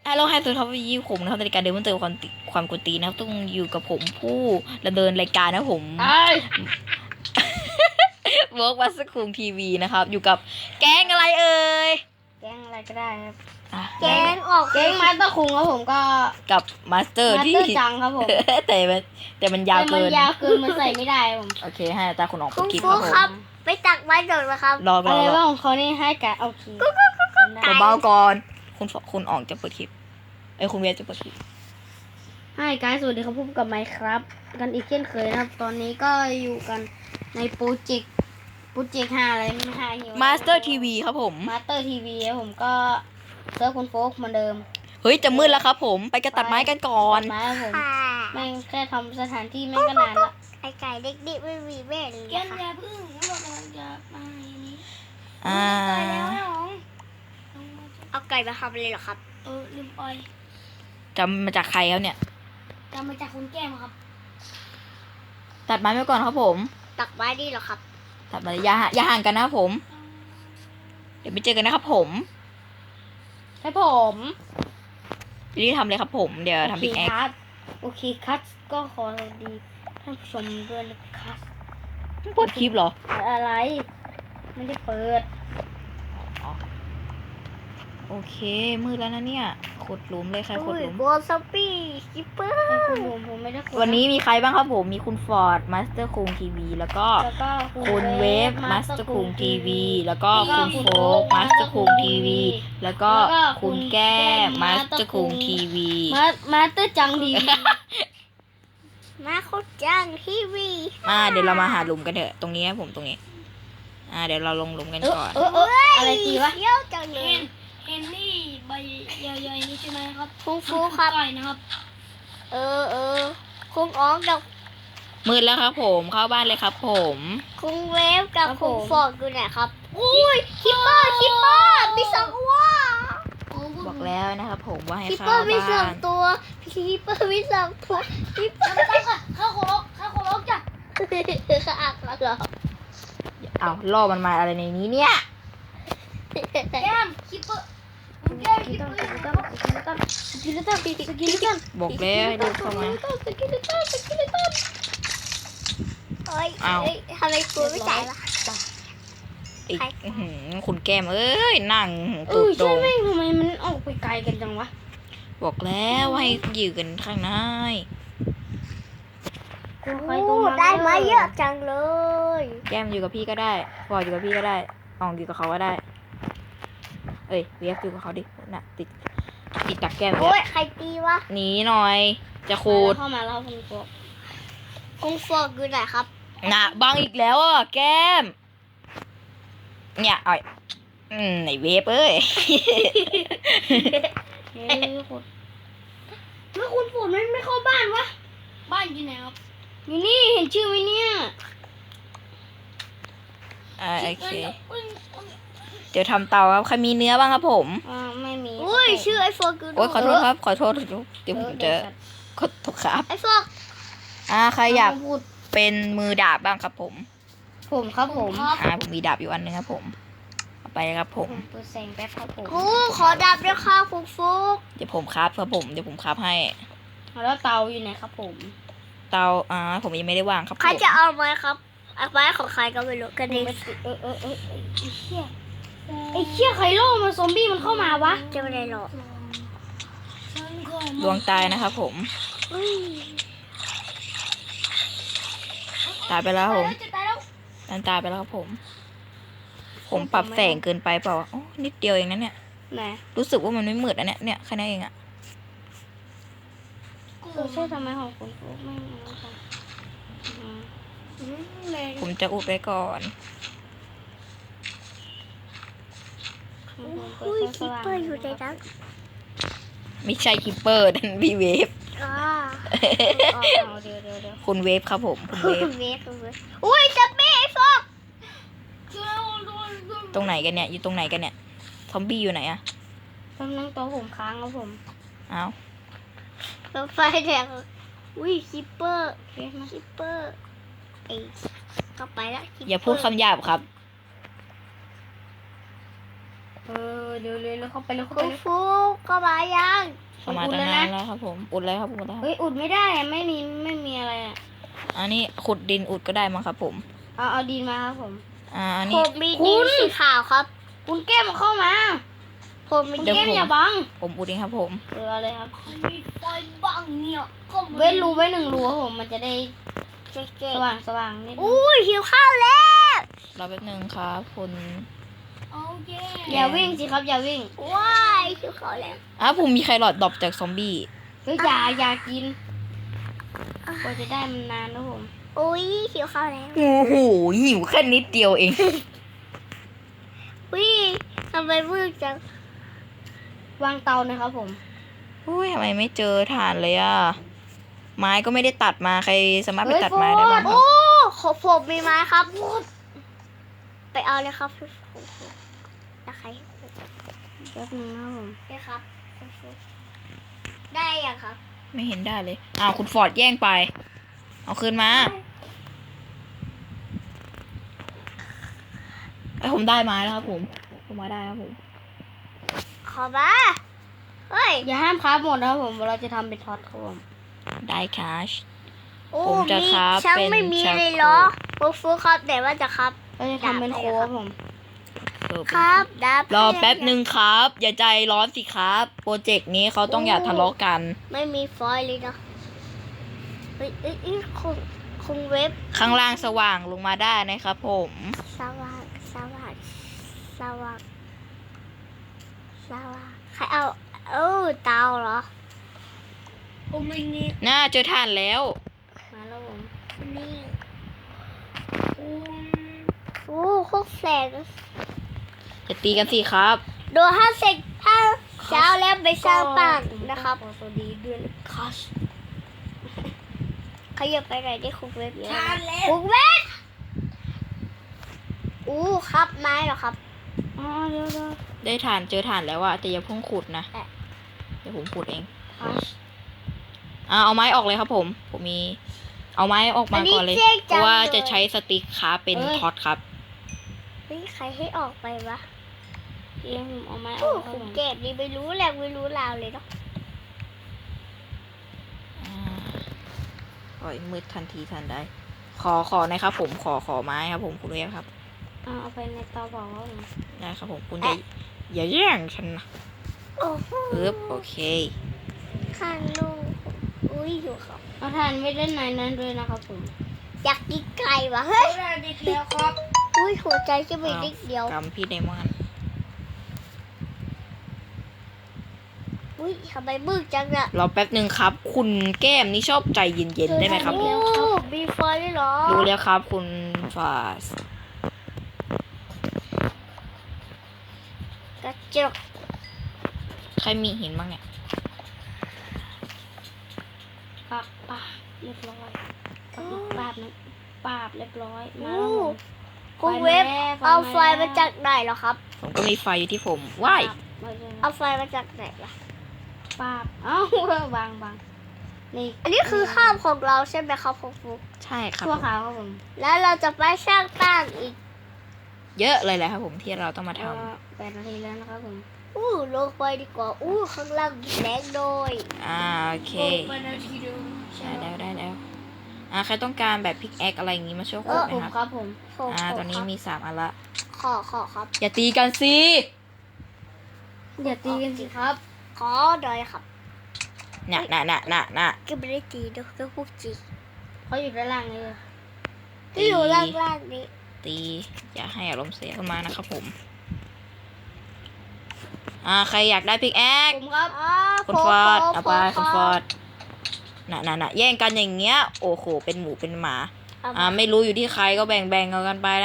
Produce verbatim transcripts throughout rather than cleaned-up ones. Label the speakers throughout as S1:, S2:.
S1: ฮัลโหลไฮสวัสดีครับยี่ผมนะครับในรายการเดิมมันเติมความติความกวนตีนนะครับต้องอยู่กับผมผู้ดำเนินรายการนะผม
S2: ไอ้
S1: เวิร์กวัสคุงทีวีนะครับอยู่กับแก๊งอะไรเอ่ย
S2: แกงอะไรก็ได้ครับ
S1: อ่ะ
S3: แกงออก
S2: แกงมาสเตอร์คุงครับผมก็
S1: กับมาสเตอร์
S2: มาส
S1: ที่
S2: เตอร์จังครับผม
S1: แต่มันแต่มันยาว
S2: แต่มั
S1: เกิ
S2: น
S1: น
S2: ยาวเกินมันใส่ไม่ได้ครับผม
S1: โอเคให้ตาคุณออกไป
S3: คุณ
S1: คลิป
S3: ครู
S1: ครับผม
S3: ครับ ไปตักไม้โดดนะครับ
S1: รอร
S2: อะ
S1: อ
S2: ไร
S1: รอ
S2: บ้างของเขานี่ให้กะเอาคี
S3: ไก่
S1: เบาๆก่อนคุณคุณออกจะเปิดคลิปไอ้ยคุณเวียจะเปิดคลิป
S2: ให้กายสวัสดีครับพบกับไมค์ครับ กันอีกเช่นเคยนะครับ ตอนนี้ก็อยู่กันในโปรเจกต์โปรเจกต์ห้าอะไรไม่ห้าหิว
S1: มาสเตอร์ทีวีครับผม
S2: มาสเตอร์ทีวีครับผมก็เซิร์ฟคุณโฟกเหมือนเดิม
S1: เฮ้ยจะมืดแล้วครับผมไปกระตัดไม้กันก่อน
S2: ตัดไม้ครับผม
S3: ค่ะ
S2: แม่งแค่ทำสถานที่แม่งก็นานละ
S3: ไอไก่เด็กๆไม่มีแม่เลย
S2: เย็น
S3: ค่ะ
S2: อย่าพึ่งเรากำลังจะมาอย่างนี้
S1: อ่า
S2: ตายแล้วนะน้อง
S3: เอาไก่มาทำเลยเหรอครับ
S2: เออลืมปล่อย
S1: จำมาจากใครครับเนี่ย
S2: จำมาจากคุณแก้มครับ
S1: ตัดไม้ไปก่อนครับผม
S3: ตักไม้ดีเหรอครับ
S1: ตัดไม้อย่าห่าอย่าห่างกันนะครับผม เดี๋ยวไปเจอกันนะครับผม
S2: ให้ผม
S1: รีบทำเลยครับผม เดี๋ยวทำพิกแอค
S2: คัสโอเคคัสก็ขอสวัสดีท่านผู้ชมด้วยนะครับ
S1: เปิดคลิปเหรอ
S2: อะไร ไม่ได้เปิด
S1: โอเค มืดแล้วนะเนี่ย ขุดหลุมเลยใครขุด
S3: อุ้ย
S1: หลุม
S3: โกซอปปี้คิปเปอร์
S2: ให้คุณผมผมไม่ได้คุย
S1: วันนี้มีใครบ้างครับผม มีคุณฟอร์ดมาสเตอร์คุงทีวีแล้วก็
S2: แล้วก็
S1: คุณเวฟมาสเตอร์คุงทีวีแล้วก็
S2: แล้วก็
S1: คุณโฟกมาสเตอร์คุงทีวีแล้วก็
S2: แล้วก็
S1: คุณแก้มมาสเตอร์คุงทีวี
S2: มามาสเตอร์จังดี
S3: มาโคจังทีวี
S1: อ่าเดี๋ยวเรามาหาหลุมกันเถอะ ตรงนี้ครับผมตรงนี้ อ่าเดี๋ยวเราลงหลุมกัน
S2: เออ
S1: ก่อน
S2: เออเอออะไรตีวะ
S3: เที่ยวจังเลย
S4: เห็นนี่ใบใหญ่ๆนี่ใช่ไหมครับ
S3: คุณครูครับ
S4: ต่อยนะครับ
S3: เออเออคุณอ๋องกับ
S1: มืดแล้วครับผม เข้าบ้านเลยครับผม
S3: คุณเวฟกับคุณฟอร์ดอยู่ไหนครับ อุ้ยคิปเปอร์คิปเปอร์มีสองตัว
S1: บอกแล้วนะครับผมว่าให้
S3: คิป
S1: เข้า
S3: เปอร์มีสอ
S1: บ้าง น
S3: ตัวคิปเปอร์มีสองตัวคิปเปอร์
S4: ตั้งค่ะข้าวโคโลข้าวโคโลจ้ะ
S3: เขาอักแล้วเหรอ
S1: เอาล่อมันมาอะไรในนี้เนี่ย
S4: แก้มคิปเปอร์คุณแก้ม
S2: กิ
S4: คิ
S2: น
S4: ป
S2: ต้
S4: เป
S2: น
S4: อร์
S2: กินต้นกินต้นกินต้นกินต้นกินต้น
S1: บอกแล้วให้รีบเข้ามา
S2: สกิลตันสกิลตัน
S3: เอ้ย
S1: เอา
S3: เอ้ยทำไมกูไม่จ่ายวะ
S1: อีก
S3: ใคร
S1: อื้อหือคุณแก้มเอ้ยนั่ง
S2: เอ
S1: ตู
S2: อ
S1: ดตร
S2: ใช่
S1: ง
S2: ไหมทำไมมันออกไปไกลกันจังวะ
S1: บอกแล้วว่าให้อยู่กันข้างใน
S2: กูใคร
S3: โอ้
S2: ตัวมัน
S3: ได้มาเยอะจังเลย
S1: แก้มอยู่กับพี่ก็ได้ฟอร์ดอยู่กับพี่ก็ได้อองอยู่กับเขาก็ได้ เอ้ยเวียกอยู่กับเขาดิน่ะติดติดตักแก้ม
S3: โอ้
S1: เวี
S3: ย
S1: ยก
S3: ใครตีวะ
S1: หนีหน่อย จะขูด
S2: เข้ามาแล้วคุณโก
S3: คุณฟอร์ดอยู่ไหนครับ
S1: น่ะบังอีกแล้วอ่ะแก้ม เนี่ยเอ้ยอืมไหนเวฟเอ้ย
S2: เฮ้ยคุณแล้วคุณฝนไม่ไม่เข้าบ้านวะ
S4: บ้านอยู่ไหนครับ
S2: อยู่นี่เห็นชื่อไหมเนี่ย
S1: อ่าโอเค
S4: อุ้ย
S1: เดี๋ยวทำเตาครับใครมีเนื้อบ้างครับผม
S2: อ่าไม่มี
S3: อุ้ยชื่อไอโฟร์กู
S1: โอ๊ยขอโทษครับ ขอโทษเดี๋ยวผมจะขอโทษครับ
S3: ไอโฟร์
S1: อ่าใครอยาก
S2: พูด
S1: เป็นมือดาบบ้างครับผม
S2: ผมครับผม
S1: อ่าผมมีดาบอยู่อันนึงครับผมเอาไปเลยครับผม
S2: ผมเปิดแสงแป๊บครับผม
S3: ครูขอดับด้วยค่ะคุณฟุก
S1: เดี๋ยวผมคราฟครับผมเดี๋ยวผมคราฟให้
S2: แล้วเตาอยู่ไหนครับผม
S1: เตาอ่าผมยังไม่ได้วางครับ
S3: ใคร
S1: ผม
S3: จะเอาไหมครับเอาไม้ของใครก็ไม่รู้กันดี
S2: เออเออเออเออไอ้เชี่ยไอ้เชี่ยไคโร่มันซอมบี้มันเข้ามาวะ
S3: จะไม่ได้หรอก
S4: ฉันก็
S1: ดวงตายนะครับผม
S3: อุ้ย
S1: ตายไปแล้วครับผม
S4: จะตายแล้ว
S1: นั่นตายไปแล้วครับผม ผมปรับแสงเกินไปเปล่าโอ้นิดเดียวเองนะเนี่ย
S2: ไหน
S1: รู้สึกว่ามันไม่มืดนะเนี่ยเนี่ยแค่นั้นเองอะ
S2: เออใช่ทำไมของคุณฟุ๊กไม่เอาค่ะอืม
S1: ผมจะอุดไว้ก่อน
S3: อุ้ยคิปเปอร์อยู่ในนั้น
S1: ไม่ใช่คิปเปอร์นั่นพี่เวฟ
S3: อ่า
S2: เอาเดี๋ยวเดี๋ยวเดี๋ยว
S1: คุณเวฟครับผมคุณเวฟ
S3: เวฟเวฟอุ้ยจะไม่ไอโฟร์
S4: ช่วยโดนโดน
S1: ตรงไหนกันเนี่ยอยู่ตรงไหนกันเนี่ยซอมบี้อยู่ไหนอะ
S2: กำลังตัวผมค้างครับผม
S1: อ้าว
S3: รถไฟแดงอุ้ยคิปเปอร์
S2: โอเคมา
S3: คิปเปอร์ไอ้ก็ไปแล้ว
S1: อย่าพูดคำหยาบครับ
S2: เออเดี๋ยวเร็วๆเข้าไปเร็วเข้า
S3: คุ
S2: ไป
S3: ณ
S2: เร็ว
S3: ฟุกก็มายัง
S1: เข้ามาตั้งนานแล้วครับผมอุดเลยครับอุดเลยครับ
S2: เฮ้ยอุดไม่ได้อะไม่มีไม่มีอะไรอ่ะ
S1: อันนี้ขุดดินอุดก็ได้มั้งครับผม
S2: เอาเอาดินมาครับผม
S1: อ่าอัน
S3: ผ
S1: นี้
S3: มมีดินสีขาวครับ
S2: คุณแก้มเข้ามา
S3: ผมมี
S2: คุณ
S1: เดี๋ยว
S2: แก้ม
S1: ผม
S2: อย่าบัง
S1: ผมอุดเองครับผม
S2: เออเอาเลยครับ
S4: มีไฟบ้างเนี่ยก็มัน
S2: เว้นรูไว้หนึ่งรูครับผมมันจะได้
S3: เจ๊
S2: สว่างสว่างนิดนึง
S3: อุ้ยหิวข้าวแล้ว
S1: รอแป๊บนึงครับคุณ
S4: โอเค
S2: อย่าวิ่งสิครับอย่าวิ่ง
S3: ว้ายหิวข้าวแล้ว
S1: อ่ะผมมีไครอทดรอปจากซอมบี้
S2: เฮ้ยอย่าอย่ากินกว่าจะได้มันนานนะผม
S3: อุ้ยหิวข้าวแล้ว
S1: โอ้โหหิวแค่นิดเดียวเอง
S3: อุ้ยทำไมมืดจัง
S2: วางเตาเลยครับผม
S1: อุ้ยทำไมไม่เจอถ่านเลยอ่ะ ไม้ก็ไม่ได้ตัดมาใครสามารถไปตัดไม้ได้บ้างครั
S3: โอ้
S1: บ
S3: ขอผมมีไม้ครับไปเอาเลยครับพี่ฟุกนะใคร
S2: แป๊บนึงนะครับผม
S3: ได้ครับคุณฟุกได้ยังครับ
S1: ไม่เห็นได้เลยอ้าวคุณฟอร์ดแย่งไป เอาคืนมาไอยผมได้ไม้แล้วครับผมผมมาได้ครับผม
S3: ขอมาเฮ้ย
S2: อย่าห้ามคราฟหมดนะครับผมเราจะทำเป็นท็อตครับผม
S1: ได้คาช
S3: โอ้
S1: ผมจะ
S3: มี
S1: ครับ
S3: ช่าง
S1: เป็น
S3: ไม่มี
S1: ชาโค
S3: เลยเหรอฟุกฟุกครับแต่ว่าจะครับ
S2: เราจะทำเป็นโค้กครับผม
S1: เออ
S3: ครับดับ
S1: รอแป๊บหนึ่งครับ อย่าใจร้อนสิครับ โปรเจกต์นี้เขาต้องอย่าทะเลาะกัน
S3: ไม่มีฟอยล์เลยเนาะเฮ้ยเอ้ยเอ้ยคงคงเว็บ
S1: ข้างล่างสว่างลงมาได้นะครับผม
S3: สว่างสว่างสว่างสว่างใครเอาเออเตาเหรอ
S4: โอ้ไม่นี่
S1: น่าเจอถ่านแล้ว
S2: มาแล้วผม
S3: นี่
S4: โอ้
S3: โอ้โคกแสง
S1: จะตีกันสิครับ
S3: โดนห้าเสกถ้าเช้าแล้วไปสร้างบ้านนะครับ
S2: ขอสวัสดีด้วยนะครับ
S3: ขยับไปไหนอยได้คุกเว็บเยอะ
S4: ทานแล้ว
S3: คุกเว็บอู้ครับไม้เหรอครับ
S2: อ๋อเดี๋ยวเดี๋ยว
S1: ได้ถ่านเจอถ่านแล้วอะแต่อย่าเพิ่งขุดนะ
S3: แอะ
S1: เดี๋ยวผมขุดเอง
S2: ครับ
S1: อ่าเอาไม้ออกเลยครับผม ผมมี เอาไม้ออกมาก่อนเลย
S3: จ๊ง
S1: เพ
S3: จัง
S1: ราะว่า
S3: ลย
S1: จะใช้สติ๊กคราฟเป็นท็อตครับ
S3: เฮ้ยใครให้ออกไปวะ
S2: เดี๋ยวผมเอาไม้อ
S3: โอ้
S2: อกครับ
S3: คุ
S2: ผ
S3: ณ
S2: ม
S3: เก็บนี่ไม่รู้แหละไม่รู้ราวเลยเนาะ
S1: อ่าปล่อยมืดทันทีทันใดขอขอหนะครับผมขอขอไม้ครับผมคุณเวฟครับ
S2: เอาเอาไปในเตาเผาครับผม
S1: ได้ครับผมคุณอย่าอย่าแย่งฉันนะ
S3: โอ้โห
S1: ปึ๊บโอเค
S3: ข้างลูกอุ้ยอยู่ครับ
S2: เอาทานไว้ด้านในนั้นด้วยนะครับผม
S3: อยากกินไก่วะเฮ้ย
S4: ได้ดิแล้วครับ
S3: อุ้ยหัวใจจะมีนิดเดียว
S1: กำพี่ไดมอนด์
S3: อุ้ยทำไมมืดจังอะ
S1: รอแป๊บหนึ่งครับ คุณแก้มนี่ชอบใจเย็นๆได้ไหมครับ
S3: โอ้มีไฟด้วยเหรอ
S1: รู้แล้วครับคุณฟาส
S3: กระจก
S1: ใครมีหินบ้างเนี่ย
S2: ปาบปาบเรียบร้อยปาบปาบนะปาบเรียบร้อยมา
S3: อู้
S2: แล้วผม
S3: คุณเว็บ
S2: ไฟมาแล้ว
S3: เอาไฟ
S2: ไฟมาแล้ว
S3: มาจากไหนเหรอครับ
S1: ผมก็มีไฟอยู่ที่ผมว้าย
S2: ปาบมาเลยนะ
S3: เอาไฟมาจากไหนล่ะ
S2: ปาบเอ้า บางบางนี่
S3: อันนี้คือข้าวของเราใช่ไหมครับคุณฟุก
S1: ใช่ครับ
S2: ชั่ว
S1: ผม
S2: ขาวครับผม
S3: แล้วเราจะไปสร้างบ้านอีก
S1: เยอะเลยแหละครับผมที่เราต้องมาท
S2: เอ่อแปดนาทีแล้วนะครับผม
S3: อู้ลงไปดีกว่า อู้ข้างล่างมีแสงโดย
S1: ำอ่าโอเค
S4: มานาทีเดียว
S1: ได้แล้วได้แล้วอ่าใครต้องการแบบพิกแอคอะไรอย่างงี้มาช่วย
S2: เอ
S1: ขุด
S2: อ
S1: ไหม
S2: ผม
S1: ครับ
S2: ครับผม
S3: ขอ
S1: อ่า
S3: ข
S1: ตอนนี้
S3: ครับ
S1: มีสามอันละ
S3: ขอขอครับ
S1: อย่าตีกันสิ
S2: อย่าตีกันสิครับ
S3: ขอหน่อยครับ
S1: น่ะน่ะน่ะน่ะน่ะ
S3: ก็ไม่ได้ตีด้วยก็พูดจริง
S2: เขาอยู่ด้านล่างเลย
S3: ก็อยู่ล่างๆนี้
S1: ตีอย่าให้อารมณ์เสียขึ้นมานะครับผม อ่าใครอยากได้พิกแอค
S2: ผมครับ
S3: อ่า
S1: คุณฟอร์ด
S3: ข
S1: เอาไป
S3: ข
S1: คุณฟอร์ดน่ะน่ะน่ะแย่งกันอย่างเงี้ย โอ้โห เป็นหมูเป็นหมา
S3: เอา
S1: อ่า
S3: มา
S1: ไม่รู้อยู่ที่ใครก็แบ่งแบ่งๆกันไปนะ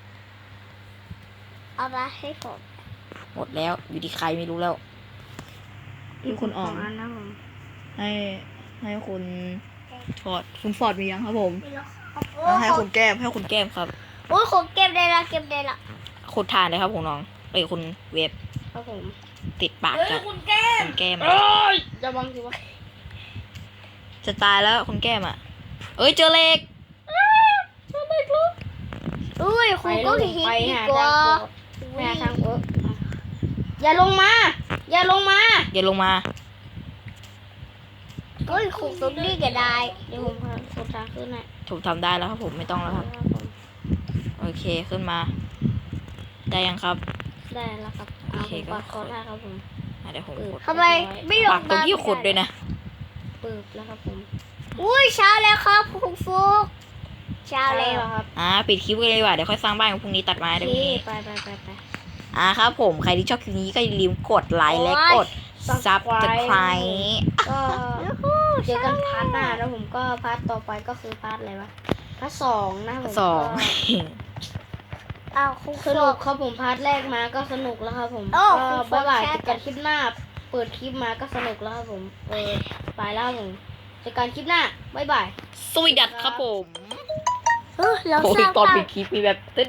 S3: เอามาให้ผม
S1: หมดแล้วอยู่ที่ใครไม่รู้แล้ว
S2: อีก
S1: คุณอ่อน
S2: สงอันนะผม
S1: ให้ให้คุณฟอร์ดคุณฟอร์ดมียังครับผม
S3: โอ้
S1: อ่าให้
S3: ขอ
S1: คุณแก้มให้คุณแก้มครับ
S3: โอ้ยผมเก็บได้ละเก็บได้ละ
S1: ขุดทานเลยครับคุณน้องเอ้ยคุณเวฟ
S2: ครับผม
S1: ติดปาก
S4: เฮ้ย
S1: กับ
S4: คุณแก้ม
S1: คุณแก้ม
S2: เอ้ยจะบังสิวะ
S1: จะตายแล้วคุณแก้มอ่ะ เอ้ยเจอเหล็ก
S3: อุ้ยคุณก็หิน
S2: ไป
S3: ดี
S2: หาก
S3: ว่า
S2: ทางโอ๊ะไปหาทางโอ๊ะอย่าลงมา อย่าลงมา
S1: อย่าลงมา
S3: เฮ้ยขุดตรงนี้ก็ได้
S2: เดี๋ยวผมพาขุดทางขึ้นให้
S1: ผมทำได้แล้วครับผมไม่ต้องแล้วครับ
S2: ครับผม
S1: โอเคขึ้นมา ได้ยังครับ
S2: ได้แล้วครับเอา
S1: โอเค
S2: ผม
S1: ก็
S2: ปักคอได้ครับผม
S1: อ่ะเดี๋ยวผม
S2: เออ
S1: ขุด
S3: ทำไมไม่ลง
S1: ปักตรงที่ขุดด้วยนะ
S2: ปึบแล้วครับผม
S3: อุ้ยเช้าแล้วครับคุณฟุกเช้าแล้ว
S2: ครับ
S1: อ่าปิดคลิปกันเลยดีกว่าเดี๋ยวค่อยสร้างบ้านกันพรุ่งนี้ตัดไม้
S2: โอ
S1: เดี๋ยว
S2: เค
S1: พรุ่งนี้
S2: ไปไปไปไป
S1: อ่าครับผมใครที่ชอบคลิปนี้ก็อย่าลืมกดไลค์และกดซับสไครต์
S2: ก็เจอกันพาร์ทหน้าแล้วผมก็พาร์ทต่อไปก็คือพาร์ทอะไรวะพาร์ทสองนะผม
S1: สอง
S3: อ้าวคุณ
S2: ส
S3: ฟุ
S2: นุก
S3: ก
S2: ครับผมพาร์ทแรกมาก็สนุกแล้วครับผม
S3: โอ้
S2: ก็
S3: คุณ
S2: บ๊ายบาย
S3: แค่
S2: เจอกันคลิปหน้า เปิดคลิปมาก็สนุกแล้วครับผมเออไปแล้วครับผมเจอกันคลิปหน้าบ๊ายบาย
S1: สวีดัตครับผม
S3: เออเรา
S1: โอ้
S3: ส
S1: ย
S3: ร้าง
S1: ตอน
S3: บ้าน
S1: ปิดคลิปมีแบบ